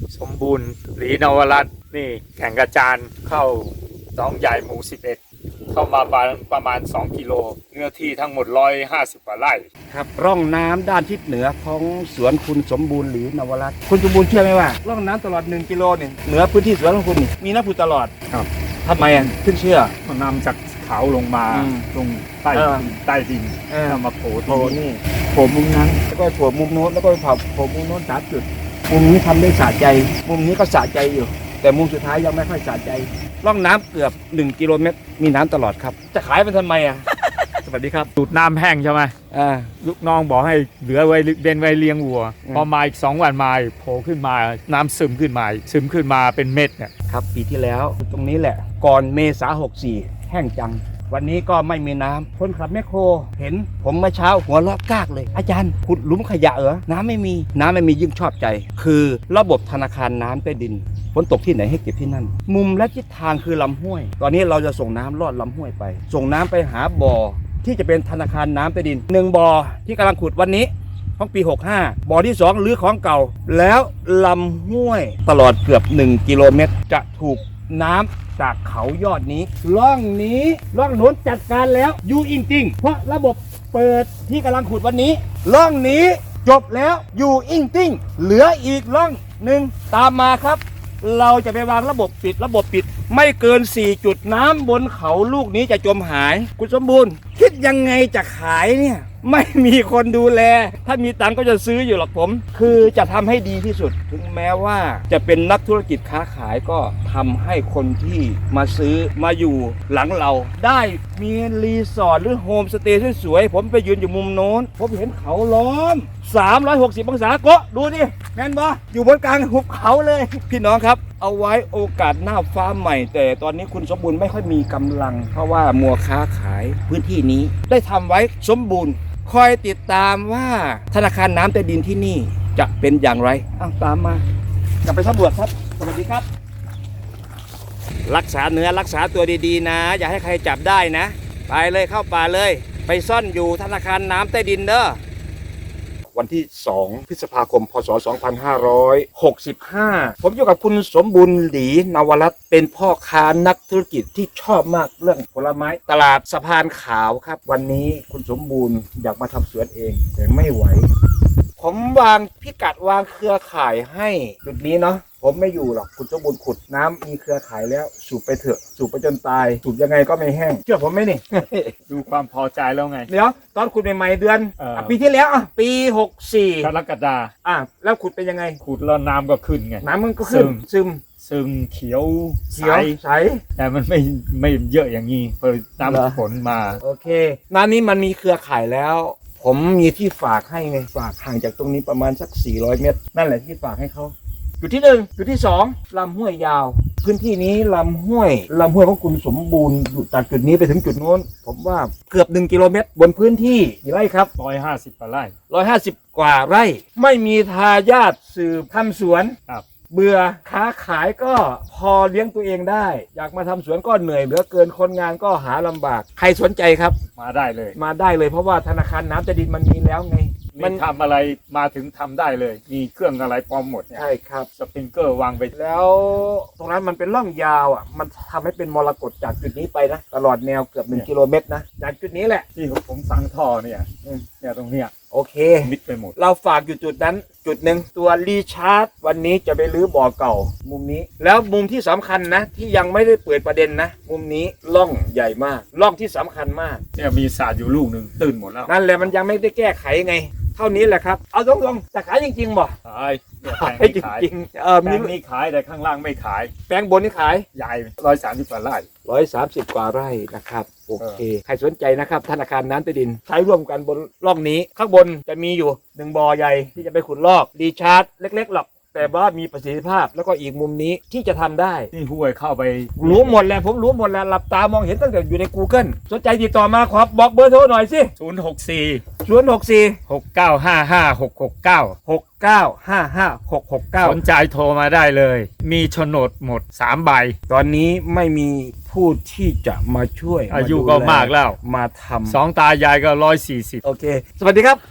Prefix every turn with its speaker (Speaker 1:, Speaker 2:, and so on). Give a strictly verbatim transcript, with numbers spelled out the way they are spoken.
Speaker 1: สมบูรณ์หลีนวรัตน์นี่แข่งกระจานเข้าหนองใหญ่หมู่สิบเอ็ดเข้ามาประมาณสองกิโลเนื้อที่ทั้งหมดหนึ่งร้อยห้าสิบกว่าไร่
Speaker 2: ครับร่องน้ำด้านทิศเหนือของสวนคุณสมบูรณ์หรือนวรัตน์คุณสมบูรณ์เชื่อไหมว่าร่องน้ำตลอดหนึ่งกิโลเนี่ยเหนือพื้นที่สวนของคุณนี่มีน้ำพุตลอด
Speaker 1: ครับ
Speaker 2: ทำไมอ่ะขึ้นเชื่อ
Speaker 1: มันนำจากเขาลงมา
Speaker 2: อืม
Speaker 1: ลงใต้
Speaker 2: เออ
Speaker 1: ใต้ดิน
Speaker 2: เออ
Speaker 1: แล้วมาโผล่
Speaker 2: โผล่
Speaker 1: ที่นี่
Speaker 2: นี่โผล่มุมนั้นแล้วก็โผล่มุมโน้นแล้วก็โผล่โผล่มุมโน้นสามจุดมุมนี้ทำได้สะใจ มุมนี้ก็สะใจอยู่ แต่มุมสุดท้ายยังไม่ค่อยสะใจร่องน้ำเกือบหนึ่งกิโลเมตรมีน้ำตลอดครับจะขายมันทำไมอ่ะ สวัสดีครับ
Speaker 1: ดูดน้ำแห้งใช่ไหม
Speaker 2: อ่า
Speaker 1: ลูกน้องบอกให้เหลือไว้เบนไว้เลี้ยงวัว
Speaker 2: อืม
Speaker 1: พอมาอีกสองวันมาอีกโผล่ขึ้นมาน้ำซึมขึ้นมาอีกซึมขึ้นมาเป็นเม็ดเนี่ย
Speaker 2: ครับปีที่แล้วตรงนี้แหละ ก่อนเมษาหกสี่แห้งจัง วันนี้ก็ไม่มีน้ำคนขับแมคโครเห็นผมเมื่อเช้าหัวเราะกากเลย อาจารย์ขุดหลุมขยะเหรอน้ำไม่มีน้ำไม่มียิ่งชอบใจ คือระบบธนาคารน้ำใต้ดินฝนตกที่ไหนให้เก็บที่นั่น มุมและทิศทางคือลำห้วย ตอนนี้เราจะส่งน้ำลอดลำห้วยไป ส่งน้ำไปหาบ่อที่จะเป็นธนาคารน้ำใต้ดินหนึ่งบ่อที่กำลังขุดวันนี้ ของปีหกห้าบ่อที่สองหรือของเก่า แล้วลำห้วยตลอดเกือบหนึ่งกิโลเมตรจะถูกน้ำจากเขายอดนี้ร่องนี้ร่องโน้นจัดการแล้วอยู่อิงจริงเพราะระบบเปิดที่กำลังขุดวันนี้ร่องนี้จบแล้วอยู่อิงติ้งเหลืออีกร่องหนึ่งตามมาครับ เราจะไปวางระบบปิดระบบปิดไม่เกินสี่จุดน้ำบนเขาลูกนี้จะจมหายคุณสมบูรณ์คิดยังไงจะขายเนี่ยไม่มีคนดูแลถ้ามีตังก็จะซื้ออยู่หรอกผมคือจะทำให้ดีที่สุดถึงแม้ว่าจะเป็นนักธุรกิจค้าขายก็ทำให้คนที่มาซื้อมาอยู่หลังเราได้มีรีสอร์ทหรือโฮมสเตย์สวยๆผมไปยืนอยู่มุมโน้นผมเห็นเขาล้อมสามร้อยหกสิบองศาโกะดูดิแม่นบออยู่บนกลางหุบเขาเลยพี่น้องครับเอาไว้โอกาสหน้าฟ้าใหม่แต่ตอนนี้คุณสมบูรณ์ไม่ค่อยมีกำลังเพราะว่ามัวค้าขายพื้นที่นี้ได้ทำไว้สมบูรณ์คอยติดตามว่าธนาคารน้ำใต้ดินที่นี่จะเป็นอย่างไรอ้าวตามมากลับไปสำรวจครับสวัสดีครับรักษาเนื้อรักษาตัวดีๆนะอย่าให้ใครจับได้นะไปเลยเข้าป่าเลยไปซ่อนอยู่ธนาคารน้ำใต้ดินเด้อวันที่สองพฤษภาคมพศสองพันห้าร้อยหกสิบห้าผมอยู่กับคุณสมบูรณ์หลีนวรัตน์เป็นพ่อค้านักธุรกิจที่ชอบมากเรื่องผลไม้ตลาดสะพานขาวครับวันนี้คุณสมบูรณ์อยากมาทำสวนเองแต่ไม่ไหวผมวางพิกัดวางเครือข่ายให้จุดนี้เนาะผมไม่อยู่หรอกคุณสมบูรณ์ขุดน้ำมีเครือข่ายแล้วสูบไปเถอะสูบไปจนตายสูบยังไงก็ไม่แห้งเชื่อผมไหมนี่
Speaker 1: ดูความพอใจแล้วไง
Speaker 2: เดี๋ยวตอนขุดใหม่ๆเดือน
Speaker 1: เออ
Speaker 2: อ่ะปีที่แล้วอ่ะปีหกสี่
Speaker 1: กรกฎา
Speaker 2: อ่ะแล้วขุดเป็นยังไง
Speaker 1: ขุดแล้วน้ำก็ขึ้นไง
Speaker 2: น้ำมันก็ขึ้นซึม
Speaker 1: ซึมเขียว
Speaker 2: เขียว
Speaker 1: ใส
Speaker 2: ใส
Speaker 1: แต่มันไม่ไม่เยอะอย่างนี้พอ
Speaker 2: เหรอ
Speaker 1: น้ำฝนมา
Speaker 2: โอเคน้ำนี้มันมีเครือข่ายแล้ว ผมมีที่ฝากให้ไงฝากห่างจากตรงนี้ประมาณสักสี่ร้อยเมตร นั่นแหละที่ฝากให้เขาจุดที่หนึ่งจุดที่สองลำห้วยยาว พื้นที่นี้ลำห้วยลำห้วยของคุณสมบูรณ์อยู่จากจุดนี้ไปถึงจุดโน้น ผมว่าเกือบหนึ่งกิโลเมตรบนพื้นที่กี่ไร่ครับ
Speaker 1: ร้อยห้าสิบกว่าไร่
Speaker 2: ร้อยห้าสิบกว่าไร่ ไม่มีทายาทสืบทำสวน
Speaker 1: ครับ
Speaker 2: เบื่อค้าขายก็พอเลี้ยงตัวเองได้ อยากมาทำสวนก็เหนื่อยเหลือเกินคนงานก็หาลำบาก ใครสนใจครับ
Speaker 1: มาได้เลย
Speaker 2: มาได้เลยเพราะว่าธนาคารน้ำใต้ดินมันมีแล้วไง
Speaker 1: มันทำอะไรมาถึงทำได้เลย มีเครื่องอะไรพร้อมหมดเนี่ย
Speaker 2: ใช่ครับ
Speaker 1: สปริงเกอร์วางไป
Speaker 2: แล้วตรงนั้นมันเป็นร่องยาวอ่ะมันทำให้เป็นมรกตจากจุดนี้ไปนะตลอดแนวเกือบหนึ่งกิโลเมตรนะจากจุดนี้แหละ
Speaker 1: ที่ผมสั่งท่อเนี่ย
Speaker 2: อืม
Speaker 1: เนี่ยตรงเนี้ย
Speaker 2: โอเค
Speaker 1: มิดไปหมด
Speaker 2: เราฝากอยู่จุดนั้นจุดหนึ่งตัวรีชาร์จวันนี้จะไปรื้อบ่อเก่า มุมนี้ แล้วมุมที่สำคัญนะ ที่ยังไม่ได้เปิดประเด็นนะ มุมนี้ร่องใหญ่มากร่องที่สำคัญมาก
Speaker 1: เนี่ยมีสาดอยู่ลูกหนึ่งตื่นหมดแล้ว
Speaker 2: นั่นแหละมันยังไม่ได้แก้ไขไง เท่านี้แหละครับเอาตรงๆจะขายจริงๆบ่
Speaker 1: ขายเนี่ยแปลง
Speaker 2: ให้
Speaker 1: นี้
Speaker 2: จ
Speaker 1: ขาย
Speaker 2: ริงๆเออ
Speaker 1: แปล
Speaker 2: มี
Speaker 1: งนี้ขายแต่ข้างล่างไม่ขาย
Speaker 2: แปลงบนนี่ขาย
Speaker 1: ใหญ่ร้อยสามสิบกว่าไร่
Speaker 2: ร้อยสามสิบกว่าไร่นะครับโอเค ใครสนใจนะครับธนาคารน้ำใต้ดินใช้ร่วมกันบนร่องนี้ข้างบนจะมีอยู่หนึ่งบ่อใหญ่ที่จะไปขุดลอกรีชาร์จเล็กๆหรอกแต่ว่ามีประสิทธิภาพแล้วก็อีกมุมนี้ที่จะทำได้
Speaker 1: นี่ห้วยเข้าไป
Speaker 2: รู้หมดแล้วผมรู้หมดแล้วหลับตามองเห็นตั้งแต่อยู่ใน Google สนใจติดต่อมาขอบอกเบอร์โทรหน่อยสิ
Speaker 1: ศูนย์หกสี่
Speaker 2: ศูนย์ หก สี่
Speaker 1: หกเก้าห้าห้าหกหกเก้า
Speaker 2: หกเก้าห้าห้าหกหกเก้า
Speaker 1: สนใจโทรมาได้เลย มีโฉนดหมดสามใบ
Speaker 2: ตอนนี้ไม่มีผู้ที่จะมาช่วย
Speaker 1: อายุ
Speaker 2: ดู
Speaker 1: ก็
Speaker 2: แล
Speaker 1: มากแล้ว
Speaker 2: มาทำ
Speaker 1: สองตายายก็ร้อยสี่สิบ
Speaker 2: โอเค สวัสดีครับ